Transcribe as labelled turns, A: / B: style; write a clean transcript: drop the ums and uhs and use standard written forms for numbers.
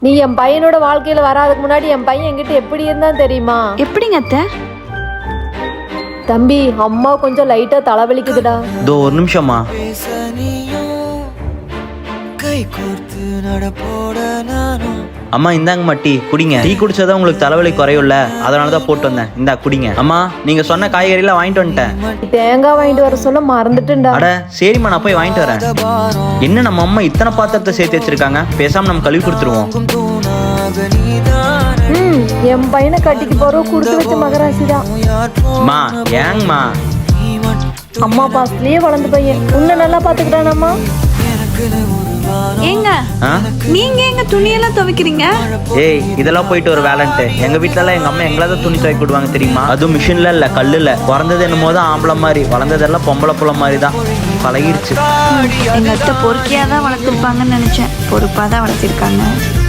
A: நீ என் பையனோட வாழ்க்கையில வராதுக்கு முன்னாடி என் பையன் என்கிட்ட எப்படி இருந்தான் தெரியுமா?
B: எப்படிங்க அத்தை?
A: தம்பி, அம்மா கொஞ்சம் லைட்டா தலைவலிக்குதுடா.
C: இதோ ஒரு நிமிஷமா. அம்மா இந்தாங்கம்மா டீ குடிங்க. டீ குடிச்சதான் உங்களுக்கு தலைவலி குறையும்ல, அதனாலதான் போட்டு வந்தேன். இந்தா குடிங்க. அம்மா நீங்க சொன்ன காய்கறிலாம் வாங்கிட்டு வந்துட்டேன்.
A: தேங்காய் வாங்கிட்டு வர சொல்ல மறந்துட்டேன்டா.
C: அட சரிம்மா, நான் போய் வாங்கிட்டு வரேன். என்ன நம்ம அம்மா இத்தனை பாத்திரத்தை சேர்த்து வச்சிருக்காங்க, பேசாம நம்ம கழுவி கொடுத்துருவோம்.
A: என் பையனை கட்டிக்கு போறோம் கொடுத்து வச்ச மகராசி தான்.
C: மா ஏங்கம்மா?
A: அம்மா பாசத்துலயே வளர்ந்த பையன் உன்னை நல்லா பாத்துக்கிட்டானம்மா.
B: ஏங்க நீங்க எங்க துணியெல்லாம் துவைக்கிறீங்க?
C: ஏய் இதெல்லாம் போயிட்டு ஒரு வேலன்ட்டு. எங்க வீட்டுல எல்லாம் எங்க அம்மா எங்களாத துணி துவைக்க விடுவாங்க தெரியுமா? அதுவும் மிஷின்ல இல்ல, கல்லுல. பிறந்தது என்னமோ தான் ஆம்பளை மாதிரி, வளர்ந்ததெல்லாம் பொம்பளை புள்ள மாதிரி தான். பழகிடுச்சு.
B: எங்க அத்தை பொறுக்கியாதான் வளர்த்திருப்பாங்கன்னு நினைச்சேன். பொறுப்பாதான் வளர்த்திருக்காங்க.